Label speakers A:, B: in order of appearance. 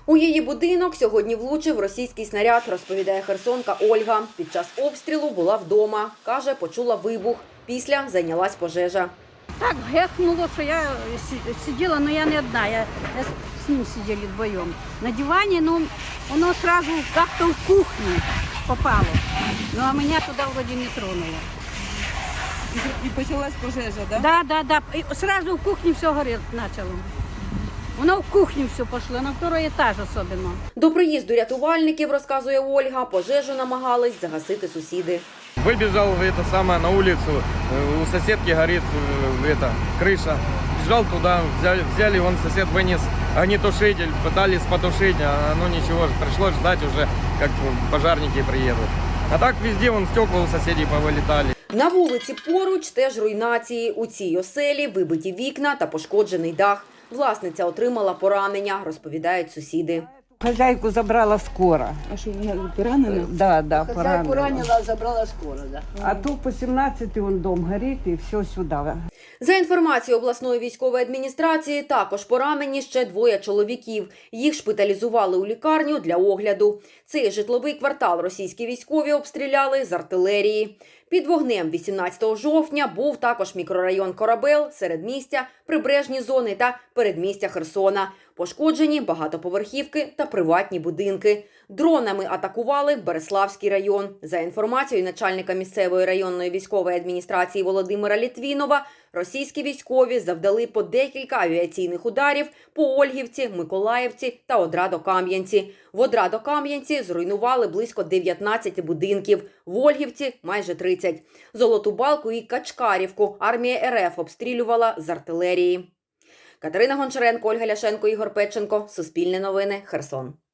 A: У її будинок сьогодні влучив російський снаряд, розповідає херсонка Ольга. Під час обстрілу була вдома. Каже, почула вибух. Після зайнялась пожежа.
B: Так гехнуло, що я сиділа, але я не одна, я з ним сиділи вдвоєм. На дивані, воно одразу як-то в кухню попало. А мене туди вроді не тронуло.
C: І почалась пожежа, так? Да?
B: Да. І одразу в кухні все горіти почало. Воно в кухню все пішло, на другий етаж особливо.
A: До приїзду рятувальників, розказує Ольга, пожежу намагались загасити сусіди.
D: Выбежал на улицу, у соседки горит крыша. Бежал туда, взяли, вон сосед вынес огнетушитель, пытались потушить, но ничего, пришлось ждать уже, как пожарники приедут. А так везде вон стекла у соседей повылетали.
A: На вулиці поруч теж руйнації. У цій оселі вибиті вікна та пошкоджений дах. Власниця отримала поранення, розповідають сусіди.
C: Хозяйку забрала скоро.
E: А що, вона поранена?
C: Да, поранила.
E: Поранила, забрала скоро, да.
C: А то по 17 он дом горит и все сюда.
A: За інформацією обласної військової адміністрації, також поранені ще 2 чоловіків. Їх шпиталізували у лікарню для огляду. Цей житловий квартал російські військові обстріляли з артилерії. Під вогнем 18 жовтня був також мікрорайон Корабел, середмістя, прибережні зони та передмістя Херсона. Пошкоджені багатоповерхівки та приватні будинки. Дронами атакували Береславський район. За інформацією начальника місцевої районної військової адміністрації Володимира Літвінова, російські військові завдали по декілька авіаційних ударів по Ольгівці, Миколаївці та Одрадо-Кам'янці. В Одрадо-Кам'янці зруйнували близько 19 будинків, в Ольгівці – майже 30. Золоту Балку і Качкарівку армія РФ обстрілювала з артилерії. Катерина Гончаренко, Ольга Ляшенко, Ігор Петченко. Суспільне новини. Херсон.